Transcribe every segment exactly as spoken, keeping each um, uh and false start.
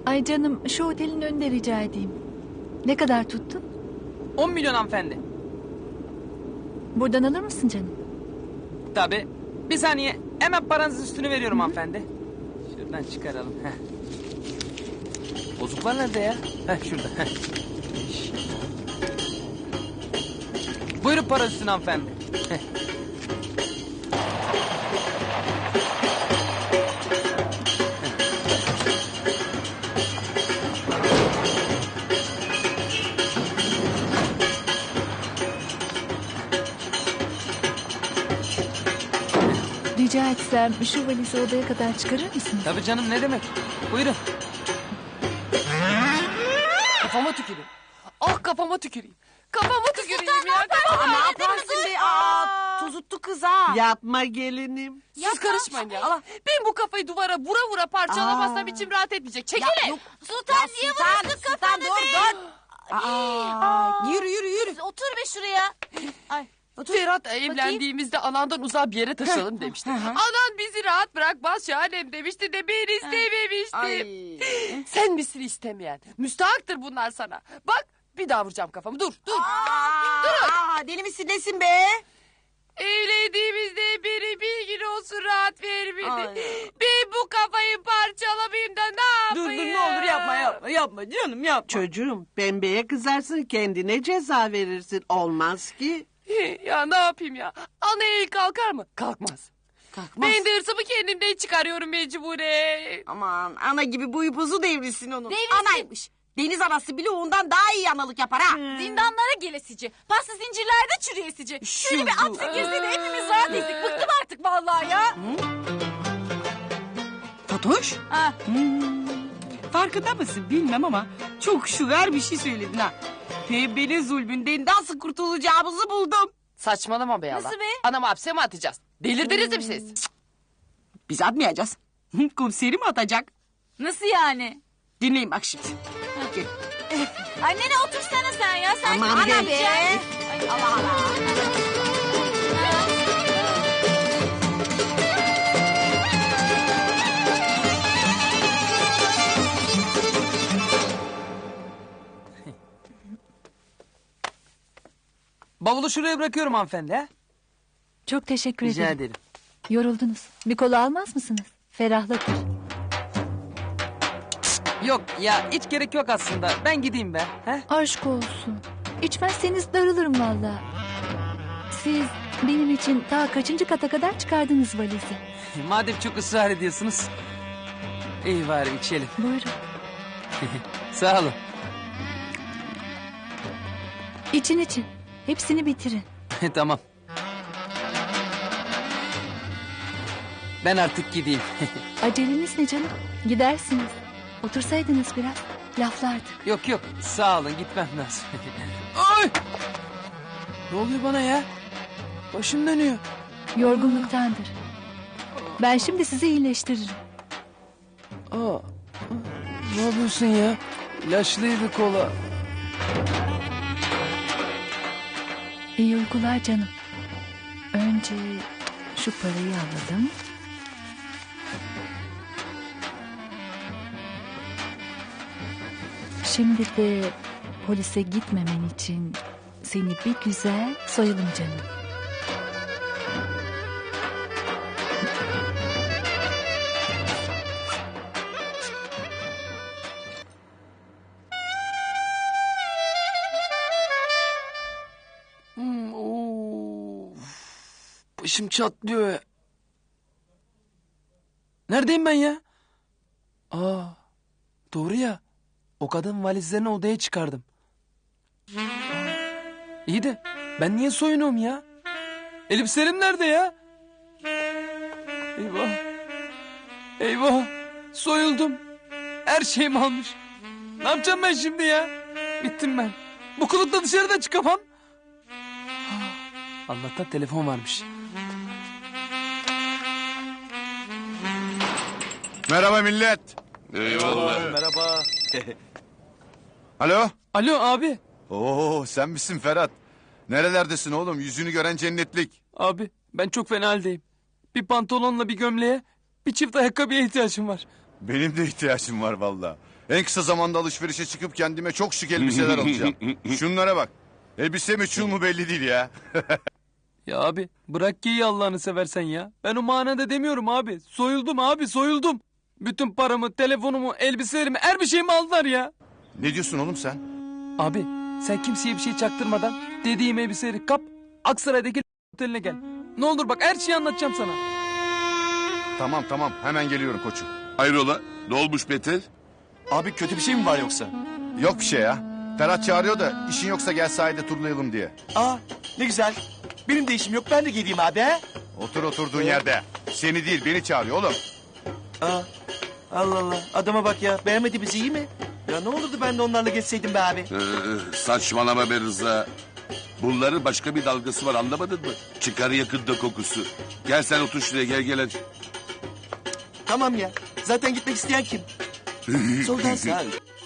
Ay canım, şu otelin önünde rica edeyim. Ne kadar tuttu? On milyon hanımefendi. Buradan alır mısın canım? Tabii. Bir saniye. Hemen paranızın üstünü veriyorum Hı-hı. hanımefendi. Şuradan çıkaralım. Heh. Bozuklar nerede ya? Heh, şurada. Heh. Buyurun para üstüne hanımefendi. Heh. Rica etsem şu valizi odaya kadar çıkarır mısın? Tabii canım, ne demek. Buyurun. Kafama tüküreyim. Ah kafama tüküreyim. Kafama tüküreyim ya. Aa, ne yaparsın be? Aa, tuzuttu kız ha. Yapma gelinim. Siz Yapma. karışmayın ya. Allah. Ben bu kafayı duvara vura vura parçalamazsam Aa. içim rahat etmeyecek. Çekile. Ya, yok. Sultan Ya, niye Sultan, vuruyorsun Sultan, kafanı dur, be? dur. Aa, yürü yürü yürü. Otur be şuraya. Ay. Ferhat evlendiğimizde anandan uzağa bir yere taşıyalım demişti. Anan bizi rahat bırakmaz Şahanem demişti de ben istememiştim. Sen misin istemeyen? Müstahaktır bunlar sana. Bak bir daha vuracağım kafamı. Dur dur. Aa, Dur. Aa, deli misin nesin be? Evlendiğimizde biri bir gün olsun rahat vermedi. Ay. Ben bu kafayı parçalamayayım da ne Dur yapayım? dur ne olur yapma yapma yapma canım yapma. Çocuğum pembeye kızarsın kendine ceza verirsin. Olmaz ki. Ya ne yapayım ya? Ana el kalkar mı? Kalkmaz. Kalkmaz. Ben de hırsımı kendimden çıkarıyorum mecburen. Aman ana gibi bu ipuzu devrilsin onun. Devrilsin. Anaymış. Deniz anası bile ondan daha iyi analık yapar ha. Zindanlara gelesici. Pasta zincirlerde çürüyesici. Şöyle bir Şu- hapse girse de hepimiz rahat ettik. Bıktım artık vallahi ya. Fatoş. Ha. Hmm. Farkında mısın bilmem ama çok şuver bir şey söyledin ha. Pembenin zulmünden nasıl kurtulacağımızı buldum. Saçmalama be Allah. Nasıl be? Anamı hapse mi atacağız? Delirdiniz mi siz? Biz atmayacağız. Komiseri mi atacak? Nasıl yani? Dinleyin bak şimdi. Gel. Annene otursana sen ya. Sen Aman Ana be. be. Ay Allah Allah. Bavulu şuraya bırakıyorum hanımefendi. He? Çok teşekkür Rica ederim. ederim. Yoruldunuz. Bir kola almaz mısınız? Ferahlatır. Yok ya, hiç gerek yok aslında. Ben gideyim be. He? Aşk olsun. İçmezseniz darılırım valla. Siz benim için ta kaçıncı kata kadar çıkardınız valizi. Madem çok ısrar ediyorsunuz. İyi bari içelim. Buyurun. Sağ olun. İçin için. Hepsini bitirin. Tamam. Ben artık gideyim. Aceleniz ne canım? Gidersiniz. Otursaydınız biraz. Laflardı. Yok yok, sağ olun, gitmem lazım. Ay! Ne oluyor bana ya? Başım dönüyor. Yorgunluktandır. Ben şimdi sizi iyileştiririm. Aa, ne yapıyorsun ya? İlaçlıydı kola. İyi uykular canım. Önce şu parayı alalım. Şimdi de polise gitmemen için seni bir güzel soyalım canım. Hmm, of. Başım çatlıyor ya. Neredeyim ben ya? Aa, doğru ya. O kadın valizlerini odaya çıkardım. İyi de ben niye soyunuyorum ya? Elbiselerim nerede ya? Eyvah. Eyvah. Soyuldum. Her şeyimi almış. Ne yapacağım ben şimdi ya? Bittim ben. Bu kılıkla dışarıda çıkamam. Allah'tan telefon varmış. Merhaba millet. Merhaba. Alo. Alo abi. Oo sen misin Ferhat? Nerelerdesin oğlum? Yüzünü gören cennetlik. Abi ben çok fena haldeyim. Bir pantolonla bir gömleğe, bir çift ayakkabıya ihtiyacım var. Benim de ihtiyacım var valla. En kısa zamanda alışverişe çıkıp kendime çok şık elbiseler alacağım. Şunlara bak. Elbise mi çul mu belli değil ya. Ya abi bırak ki Allah'ını seversen ya. Ben o manada demiyorum abi. Soyuldum abi soyuldum. Bütün paramı, telefonumu, elbiselerimi, her bir şeyimi aldılar ya. Ne diyorsun oğlum sen? Abi sen kimseye bir şey çaktırmadan dediğim elbiseleri kap, Aksaray'daki oteline gel. Ne olur bak her şeyi anlatacağım sana. Tamam tamam hemen geliyorum koçum. Hayrola? Ne olmuş Beter? Abi kötü bir şey mi var yoksa? Yok bir şey ya. Ferhat çağırıyor da işin yoksa gel sahilde turlayalım diye. Aa ne güzel. Benim de işim yok ben de geleyim abi he? Otur oturduğun yerde. Seni değil beni çağırıyor oğlum. Aa, Allah Allah adama bak ya beğenmedi bizi iyi mi? Ya ne olurdu ben de onlarla geçseydim be abi. Ee, saçmalama be Rıza. Bunların başka bir dalgası var anlamadın mı? Çıkar yakında kokusu. Gel sen otur şuraya gel gel hadi. Tamam ya zaten gitmek isteyen kim? Soldan sağ.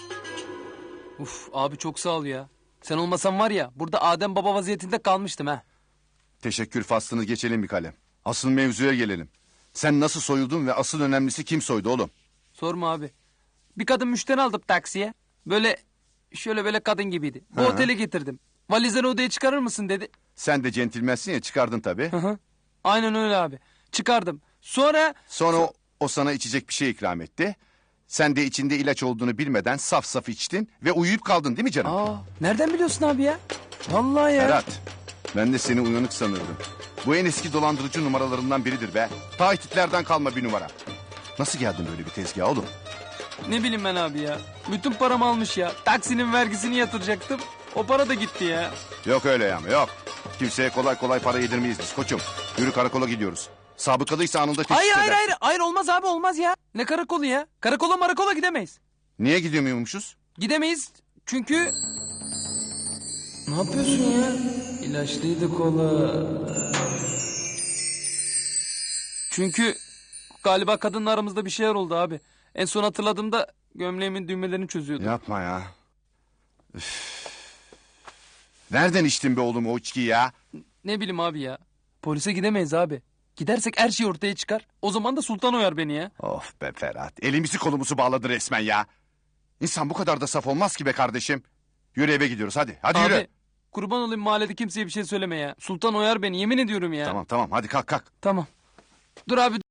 Uf abi çok sağ ol ya. Sen olmasan var ya burada Adem Baba vaziyetinde kalmıştım ha. Teşekkür faslını geçelim bir kalem. Asıl mevzuya gelelim. Sen nasıl soyuldun ve asıl önemlisi kim soydu oğlum? Sorma abi. Bir kadın müşteri aldım taksiye. Böyle şöyle böyle kadın gibiydi. Bu Hı hı. otele getirdim. Valizleri odaya çıkarır mısın dedi. Sen de centilmensin ya çıkardın tabii. Hı hı. Aynen öyle abi. Çıkardım. Sonra Sonra o, o sana içecek bir şey ikram etti. Sen de içinde ilaç olduğunu bilmeden saf saf içtin ve uyuyup kaldın değil mi canım? aa, nereden biliyorsun abi ya? Vallahi ya. Ferhat, ben de seni uyanık sanırdım. Bu en eski dolandırıcı numaralarından biridir be. Ta Hititlerden kalma bir numara. Nasıl geldin böyle bir tezgaha oğlum? Ne bileyim ben abi ya. Bütün paramı almış ya. Taksinin vergisini yatıracaktım. O para da gitti ya. Yok öyle yani yok. Kimseye kolay kolay para yedirmeyiz biz koçum. Yürü karakola gidiyoruz. Sabıkalıysa anında teşhis Hayır hayır edersin. hayır. Hayır olmaz abi olmaz ya. Ne karakolu ya? Karakola marakola gidemeyiz. Niye gidemiyormuşuz? Gidemeyiz çünkü... Ne yapıyorsun ya? İlaçlıydı kola. Çünkü galiba kadınla aramızda bir şeyler oldu abi. En son hatırladığımda gömleğimin düğmelerini çözüyordu. Yapma ya. Üf. Nereden içtin be oğlum o içkiyi ya? Ne bileyim abi ya. Polise gidemeyiz abi. Gidersek her şey ortaya çıkar. O zaman da sultan oyar beni ya. Of be Ferhat. Elimizi kolumuzu bağladı resmen ya. İnsan bu kadar da saf olmaz ki be kardeşim. Yürü eve gidiyoruz hadi. Hadi Abi yürü. kurban olayım mahallede kimseye bir şey söyleme ya. Sultan oyar beni yemin ediyorum ya. Tamam tamam hadi kalk kalk. Tamam. Dur abi